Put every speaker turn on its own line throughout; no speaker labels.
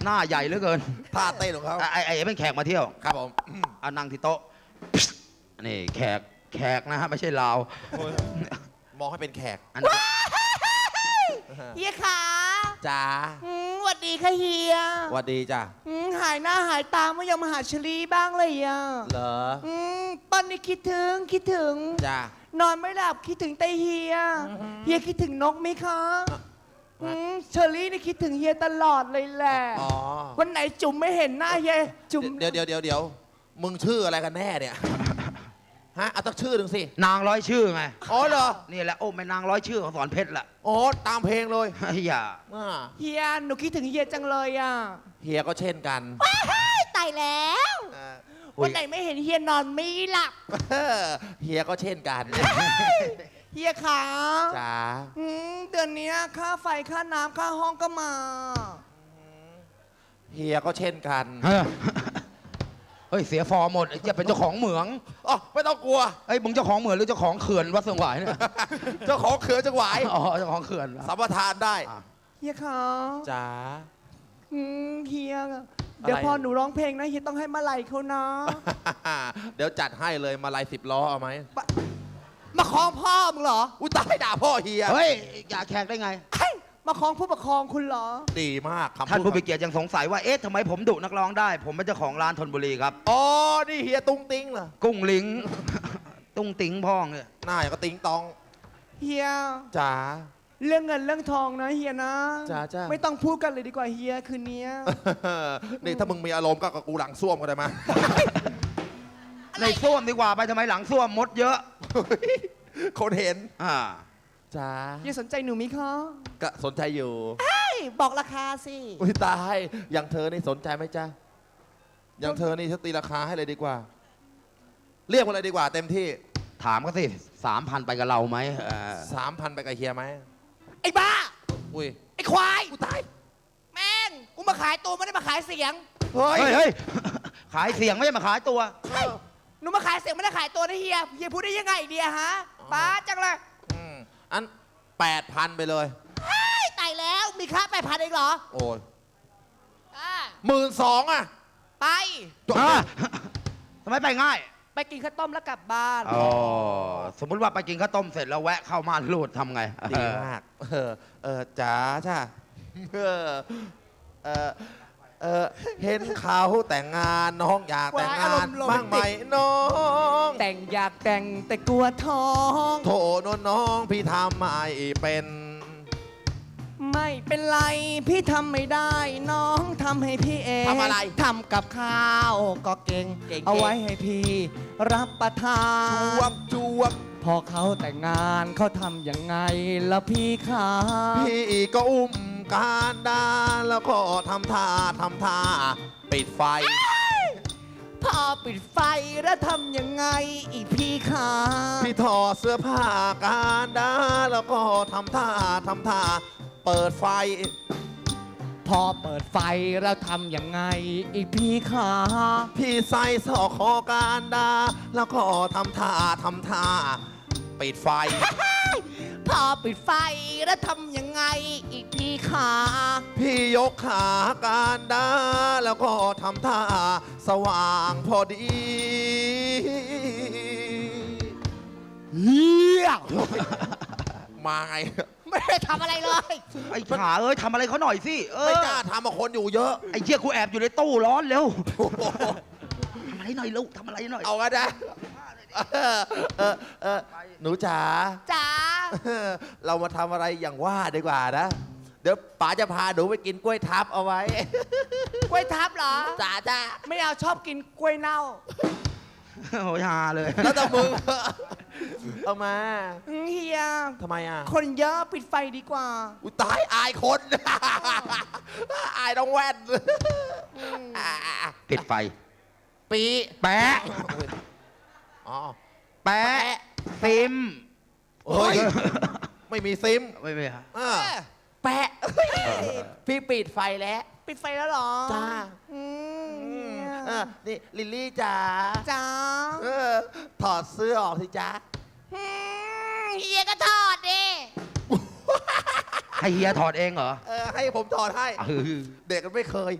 หน้าใหญ่เหลือเกิน
ท่าเต้นของเขา
ไอ้เป็นแขกมาเที่ยว
ครับผม
เอานั่งที่โต๊ะนี่แขกนะฮะไม่ใช่ลาว
มองให้เป็นแขก
อันนี้
เฮียขา
จ้า
สวัสดีค่ะเฮีย
สวัสดีจ้า
หายหน้าหายตาไม่ยอมมาหาชลีบ้างเลยอ่ะ
เหรอ
ป้อนนี่คิดถึง
จ้าน
อนไม่หลับคิดถึงแต่เฮียคิดถึงนกไหมคะเชอรี่นี่คิดถึงเฮียตลอดเลยแหละ
อ๋อ
วันไหนจุ๋มไม่เห็นหน้าเฮียจุ๋ม
เดี๋ยวมึงชื่ออะไรกันแน่เนี่ยฮะเอาตั้งชื่อหนึ่งสิ
นางร้อยชื่อไง
อ๋อเหรอ
นี่แหละโอ้ไม่นางร้อยชื่อของสอนเพชรละ
อ๋อตามเพลงเลย
อย่า
อ่า
เฮียหนูคิดถึงเฮียจังเลยอ่ะ
เฮียก็เช่นกัน
ตายแล้ว
อ่า
วันไหนไม่เห็นเฮียนอนไม่หลับ
เฮียก็เช่นกัน
เฮียขา
จ้า
เดือนนี้ค่าไฟค่าน้ำค่าห้องก็มา
เฮียก็เช่นกัน
เฮ้ยเสียฟอร์มหมดจะเป็นเจ้าของเหมือง
อ๋อไม่ต้องกลัว
เอ้ยมึงเจ้าของเหมืองหรือเจ้าของเขื่อนวัดเสืองหวายเนี่ย
เจ้าของเขือจังหวาย
อ๋อเจ้าของเขื่อน
สัมปทานได้
เฮียขา
จ้า
เฮียเดี๋ยวพอหนูร้องเพลงนะเฮียต้องให้มาลัยเขานะ
เดี๋ยวจัดให้เลยมาลาย10 ล้อเอาไหม
มาคล้องพ่อมึงเหรอ
อุ้ยตายด่าพ่อเฮีย
เฮ้ยอย่าแขกได้ไง
เฮ้ยมาคล้องผู้ปกครองคุณเหรอ
ดีมากคำ
ท่าน
พูด
ผู้มีเกียรติยังสงสัยว่าเอ๊ะทำไมผมดุนักร้องได้ ผมเป็นเจ้าของร้านธนบุรีครับ
อ๋อ นี่เฮียตุ้งติ้งเหรอ
กุ้งลิง ตุ้งติ๋งพ่องเนี่ย
หน้าอย่างก็ติ้งตอง
เฮีย
จ๋า
เรื่องเงินเรื่องทองนะเฮียนะ
จ้า
ไม่ต้องพูดกันเลยดีกว่าเฮียคืนนี้
นี่ถ้ามึงมีอารมณ์ก็กับกูหลังส้วมก็ได้มา
ในส้วมดีกว่าไปทำไมหลังส้วมมดเยอะ
คนเห็น
อ่า
จ้า
เฮียสนใจหนูมิคะ
ก็สนใจอยู่
เฮ้ยบอกราคาสิ
อุ้ยตาย อย่างเธอนี่สนใจไหมจ๊ะ อย่างเธอนี่ฉันตีราคาให้เลยดีกว่า เรียกมาเลยดีกว่า เต็มที่
ถามก็สิ3,000ไปกับเราไหม
3,000 ไปกับเฮียไหม
ไอ้บ้า
อุ้ย
ไอ้ควาย
กูตาย
แม่งกูมาขายตัวไม่ได้มาขายเสียง
เฮ้ย
เฮ้ย ขายเสียงไม่ใช่มาขายตัว
หนูมาขายเสียงไม่ได้ขายตัวนะเฮียเฮียพูดได้ยังไงเดียฮะป้าจังเลย
อัน 8,000 ไปเลย
ตายแล้วมีค่า8,000เองเหรอ
โอ้ย
อ่า
12,000 อ่ะ
ไป
ทำไมไปง่าย
ไปกินข้าวต้มแล้วกลับบ้าน
อ๋อ สมมุติว่าไปกินข้าวต้มเสร็จแล้วแวะเข้าม่านรูดทำไง
ดีมาก จ๋าจ้าเห็นเขาแต่งงานน้องอยากแต่งงานบ้างไหมน้อง
แต่งอยากแต่งแต่กลัวท้อง
โถนนน้องพี่ทำไม่เป็น
ไม่เป็นไรพี่ทำไม่ได้น้องทำให้พี่เอง
ทำอะไร
ทำกับข้าวก็เก่ง
เก่งๆ
เอาไว้ให้พี่รับประทา
จวบ
พอเขาแต่งงานเขาทำยังไงแล้วพี่ขา
พี่ก็อุ้มการดาแล้วก็ทำท่าปิดไฟ
พอปิดไฟแล้วทำยังไงอีกพี่ขา
พี่ถอดเสื้อผ้าการดาแล้วก็ทำท่าเปิดไฟ
พอเปิดไฟแล้วทำยังไงอีกพี่ขา
พี่ใส่สอกคอการดาแล้วก็ทำท่าปิดไฟ
พอปิดไฟแล้วทำยังไงอีกพี่ขา
พี่ยกขาการดาแล้วก็ทำท่าสว่างพอดี
เฮีย
มาไง
ไม่ได้ทำอะไรเลย
ไอ้ขาเอ้ยทำอะไรเขาหน่อยสิ
ไม่กล้าทำกับคนอยู่เยอะ
ไอ้เชี่ยกูแอบอยู่ในตู้ร้อนเร็ว ทำอะไรหน่อยลูกทำอะไรหน่อย
เอากันนะหนูจ๋า
จ๋า
เรามาทำอะไรอย่างว่าดีกว่านะ เดี๋ยวป๋าจะพาหนูไปกินกล้วยทับเอาไว้
กล้วยทับเหรอ
จ๋าจ้า
ไม่เอาชอบกินกล้วยเน่า
โอ้ยฮาเลย
แล้วแต่มึง เอามา
เฮีย
ทำไมอ่ะ
คนเยอะปิดไฟดีกว่า
อุยตายอายคน อายน้องแว่น
ปิดไฟ
ปี
แปะ
อ๋อ
แปะซิม
เฮ้ย ไม่มีซิม
ไม่ฮะ
อ่า
แปะ
พี่ปิดไฟแล้ว
ปิดไฟแล้วเหรอ
จ้า
อืม
นี่ลิลลี่จ๋า
จ๋า
ถอดเสื้อออกสิจ๊ะ
เฮียก็ถอดดิ
ให้เฮียถอดเองเหรอ
ให้ผมถอดให้
เออ
เด็กมันไม่เคย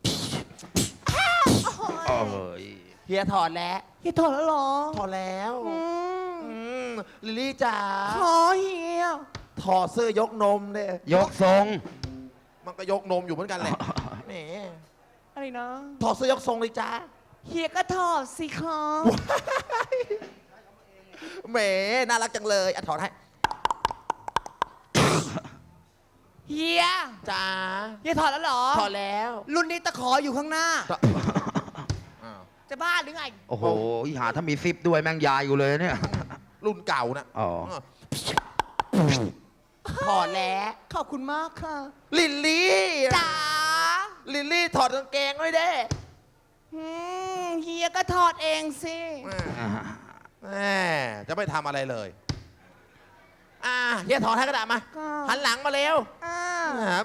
โอ้ย
เฮียถอดแล้ว
เฮียถอดแล้วเหรอ
ถอดแล้ว
อืม
ลิลลี่จ๋า
ขอเฮีย
ถอดเสื้อยกนมเนี่ย
ยกทรง
มันก็ยกนมอยู่เหมือนกันแหละแหม
อะไรนะ
ถอดเสื้อยกทรงเลยจ้า
เฮียก็ถอดสิคะ
แหมน่ารักจังเลยอ่ะถอดให้
เฮีย
จ้า
เฮียถอดแล้วเหรอ
ถอดแล้ว
รุ่นนี้ตะขออยู่ข้างหน้า
อ้าว
จะบ้าหรือไง
โอ้โหอีหาถ้ามีซิปด้วยแม่งยายอยู่เลยเนี่ย
รุ่นเก่านะ
อ๋อ
ถอดแล้ว
ขอบคุณมากค่ะ
ลิลลี่
จ๋า
ลิลลี่ถอดกางเกงด้วยเด้
เฮียก็ถอดเองสิ
แหมจะไม่ทำอะไรเลยเฮียถอดให้กระดาษมา
ก็
หันหลังมาเร็ว
อ่า
ครับ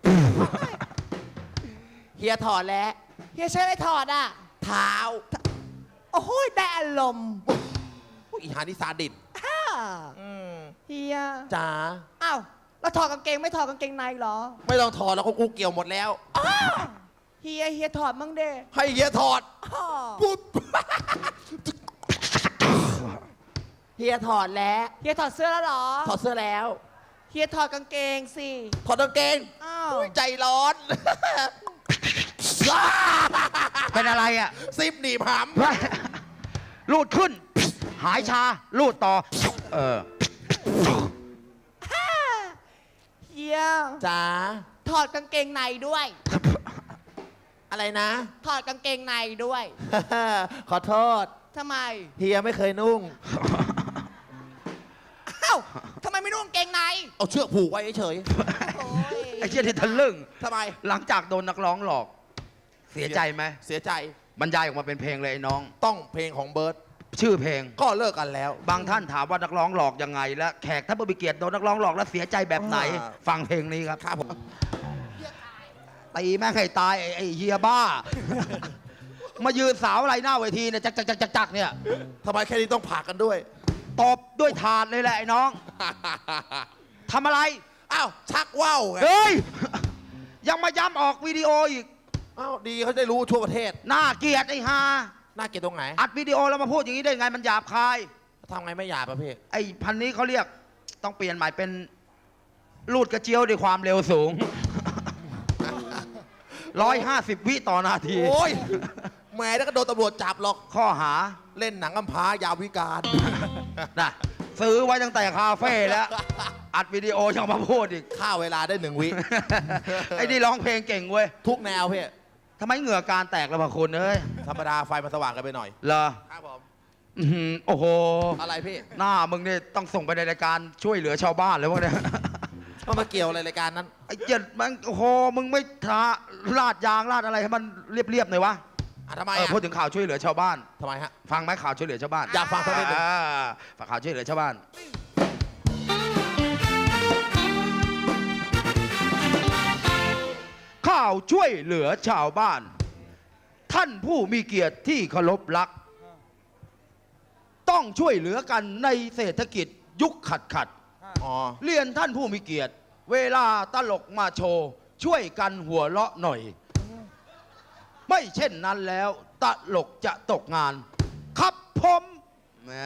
เฮียถอดแล้ว
เฮียใช้อะไรถอดอ่ะ
เท้า
โอ้โหได้อารมณ์
อีหานี่ซาดิส
อ่าเฮีย
จ๋า
อ้าวแล้วถอดกางเกงไม่ถอดกางเกงในเหรอ
ไม่ต้องถอดแล้วกูเกี่ยวหมดแล้ว
เฮียถอดมั่งเด้
ให้เฮียถอด
อ้อ
ปุ๊บเฮียถอดแล้ว
เฮียถอดเสื้อแล้วเหรอ
ถอดเสื้อแล้ว
เฮียถอดกางเกงสิ
ถอดกางเกง
อ้าว
อุ๊ยใจร้อน
เป็นอะไรอ่ะ
ซิปหนีบห
ลูดขึ้น หายชา ลูดต่อ เออ
เฮีย
ำจ๋า
ถอดกางเกงในด้วย
อะไรนะ
ถอดกางเกงในด้วย
ขอโทษ
ทำไม
เฮียไม่เคยนุ่ง
อ้าวทำไมไม่นุ่งกางเกงใน
เอาเชือกผูกไว้เฉย
โอ้ย
ไอ้เชี่ยที่ทะลึ่ง
ๆทำไม
หลังจากโดนนักร้องหลอก เสียใจไหม
เสียใจ
บรรยายออกมาเป็นเพลงเลยไอ้น้อง
ต้องเพลงของเบิร์ต
ชื่อเพลง
ก็เลิกกันแล้ว
บางท่านถามว่านักร้องหลอกยังไง และแขกถ้าผู้มีเกียรติโดนนักร้องหลอกแล้วเสียใจแบบไหน ฟังเพลงนี้ครับ
ครับผม
ตีแม่งให้ตายไอ้เฮียบ้า มายืนสาวอะไรหน้าเวทีเนี่ยจักเนี่ย
ทำไมแค่นี้ต้องผ่ากันด้วย
ตบด้วยถาดเลยแหละไอ้น้องทำอะไร
อ้าว ชักว่าวไง
เฮ้ย ยังมาย้ำออกวิดีโออีก
อ้าวดีเขาได้รู้ทั่วประเทศ
น่าเกลียดไอ้ฮา
น่าเกลียดตรงไหน
อัดวิดีโอแล้วมาพูดอย่างนี้ได้ไงมันหยาบคาย
ทำไงไม่หยาบประเภท
ไอ้พันนี้เขาเรียกต้องเปลี่ยนใหม่เป็นลูดกระเจียวด้วยความเร็วสูง 150 วิต่อนาที
โอ้ยแหม่แล้วก็โดนตำรวจจับหรอก
ข้อหา
เล่นหนังกำพร้ายาววิการ
นะซื้อไว้ตั้งแต่คาเฟ่แล้ว อัดวิดีโอยังมาพูดอีก
ฆ่าเวลาได้1 วิ
ไอ้นี่ร้องเพลงเก่งเว้ย
ทุกแนวพี่
ทำไมเหงื่อการแตกแล้วพะคุณเอ้ย
ธรรมดาไฟมันสว่างกันไปหน่อย
เหรอ
ครับผม
อื้อหือโอ้โห
อะไรพี่
หน้ามึงเนี่ยต้องส่งไปในรายการช่วยเหลือชาวบ้านเลยวะเนี่ย
มันมาเกี่ยวอะไรรายการนั้น
ไอ้เจ็ดมันโอ้โหมึงไม่ทาลาดยางลาดอะไรให้มันเรียบๆหน่อยวะ
ทำไม
พูดถึงข่าวช่วยเหลือชาวบ้าน
ทำไมฮะ
ฟังไหมข่าวช่วยเหลือชาวบ้าน
อยากฟังสักนิดหนึ่ง
ฝากข่าวช่วยเหลือชาวบ้าน ข่าวช่วยเหลือชาวบ้าน ท่านผู้มีเกียรติที่เคารพรัก ต้องช่วยเหลือกันในเศรษฐกิจยุคขัด
อ๋อ
เรียนท่านผู้มีเกียรติ เวลาตลกมาโชว์ ช่วยกันหัวเราะหน่อย ไม่เช่นนั้นแล้วตลกจะตกงาน ครับผมแหม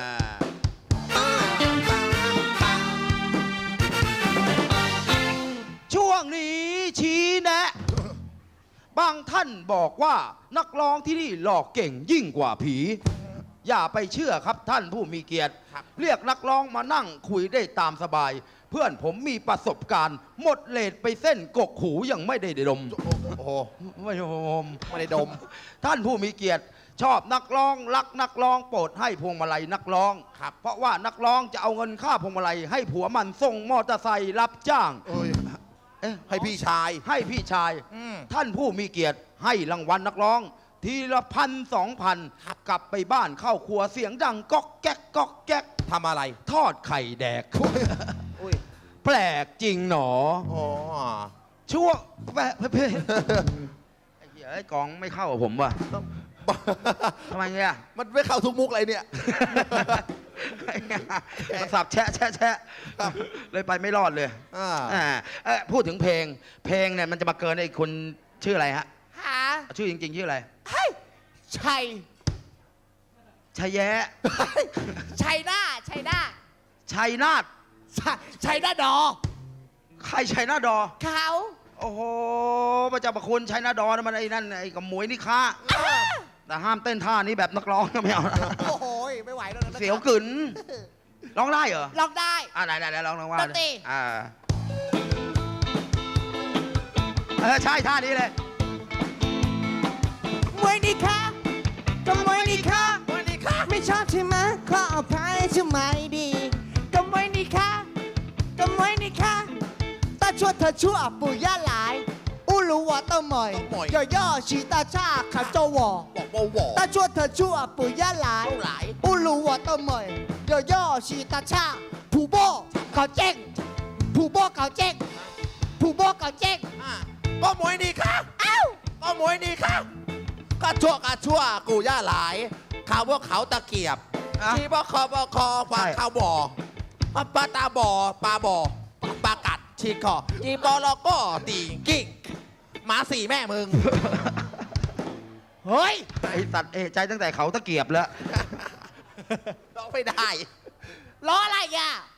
ช่วงนี้ชี้แนะ บางท่านบอกว่านักร้องที่นี่หลอกเก่งยิ่งกว่าผี อย่าไปเชื่อครับท่านผู้มีเกียรติ เรียกนักร้องมานั่งคุยได้ตามสบาย เพื่อนผมมีประสบการณ์ หมดเลทไปเส้นกกหูยังไม่ได้ดม
โอ้โห
ไม่ดม
ไม่ได้ดม
ท่านผู้มีเกียรติ ชอบนักร้องรักนักร้องโปรดให้พวงมาลัยนักร้อง
ครับ
เพราะว่านักร้องจะเอาเงินค่าพวงมาลัยให้ผัวมันส่งมอเตอร์ไซค์รับจ้าง
เอ้ย
เอ๊ะ
ให้พี่ชาย
ให้พี่ชาย
อืม
ท่านผู้มีเกียรติให้รางวัลนักร้อง ทีละ1,000-2,000กลับไปบ้านเข้าครัวเสียงดังก๊อกแก๊กก๊อกแก๊ก
ทำอะไร
ทอดไข่แดก
อุ้ย
แปลกจริงหนอ
อ๋อ
ช่วงไอ้เหี้ยไอ้กองไม่เข้ากับผมว่ะทำไมเนี่ย
มันไม่เข้าทุกมุกเลยเนี่ย
มันสับแชะแชะแชะเลยไปไม่รอดเลย
อ่า
พูดถึงเพลงเนี่ยมันจะมาเกินไอ้คนชื่ออะไรฮะ
หา
ชื่อจริงๆชื่ออะไร
เฮ้ยชัย
ชัยแย้
ชัยหน้าชัยหน้า
ชัยนาท
ชัยหน้าดอ
ใครชัยนาทดอ
เขา
โอ้โหพระเจ้าประคุณชัยนาทดอนะมันไอ้นั่นไอ้กับหมวยนี่ค้าแต่ห้ามเต้นท่านี้แบบนักร้องก็ไม่เอานะ
โอ้โหไม่ไหวแล้วนะ
เสียวกึ๋นร้องได้เหรอ
ลองได้
ได้ลองว่า
ดนตรี
ใช่ท่านี้เลย
มวยนี่ค่ะก็มวยนี่ค่ะมวยนี่ค่ะไม่ชอบใช่ไหมขออภัยใช่ไหมดีก็มวยนี่ค่ะก็มวยนี่ค่ะตาชั่วเธอชั่วปู่ย่าหลายอู้รู้ว่าต้องหมอยย่อชีตาชาขันโจวอ
บอกว่าวอ
ตาชั่วเธอชั่วปู่ย่าหลายอู้รู้ว่าต้องหมอยย่อชีตาชาผู้โบเขาเจ๊งผู้โบเขาเจ๊งผู้โบเขาเจ๊ง
ก็มวยนี่ครับ
เอ้า
ก็มวยนี่ครับก็ชั่วกูย่าหลายข่าวพวกเขาตะเกียบ
อ่ะ
ที่บ่คอปลา
ใช่
ข้าวบ่อปลาตาบ่อปลาบ่อปลากัดชีคอจีบอลก็ตีกิ้งหมาสี่แม่มึง
เฮ้ย
ไอ้สัตว์ใจตั้งแต่เขาตะเกียบแล้ว
ร้องไม่ได้
ล้ออะไรอ่ะ